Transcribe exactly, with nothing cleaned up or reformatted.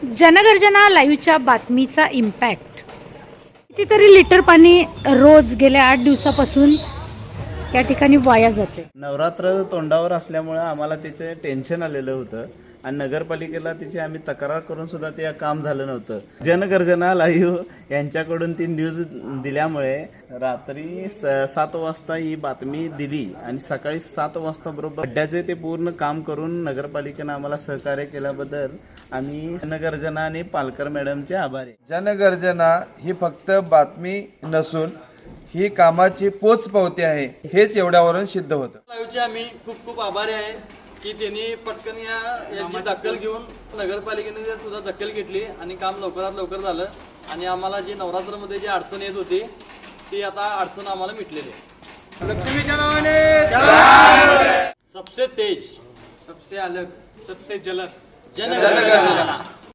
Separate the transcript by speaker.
Speaker 1: जनगर्जना लाईव्हच्या बातमीचा इम्पॅक्ट. कितीतरी लिटर पाणी रोज गेल्या आठ दिवसापासून या ठिकाणी वाया जाते.
Speaker 2: नवरात्र तोंडावर असल्यामुळे आम्हाला तिचे टेन्शन आलेलं होतं आणि नगरपालिकेला तिची आम्ही तक्रार करून सुद्धा ते काम झालं नव्हतं. जनगर्जना लाईव्ह यांच्याकडून ती न्यूज दिल्यामुळे रात्री स सात वाजता ही बातमी दिली आणि सकाळी सात वाजता बरोबर खड्ड्याचे ते पूर्ण काम करून नगरपालिकेनं आम्हाला सहकार्य केल्याबद्दल आम्ही जनगर्जना आणि पालकर मॅडमचे आभारी.
Speaker 3: जनगर्जना ही फक्त बातमी नसून ही कामाची पोचपावती आहे, हेच एवढ्यावरून सिद्ध होतं.
Speaker 4: लाईव्हचे आम्ही खूप खूप आभारी आहे की त्यांनी पटकन या याची दखल घेऊन नगरपालिकेने सुद्धा दखल घेतली आणि काम लवकरात लवकर झालं आणि आम्हाला जी नवरात्रमध्ये जी अडचण येत होती ती आता अडचण आम्हाला मिटलेली आहे. लक्ष्मीच्या नावाने सबसे तेज, सबसे अलग, सबसे जलद जनगर्जना.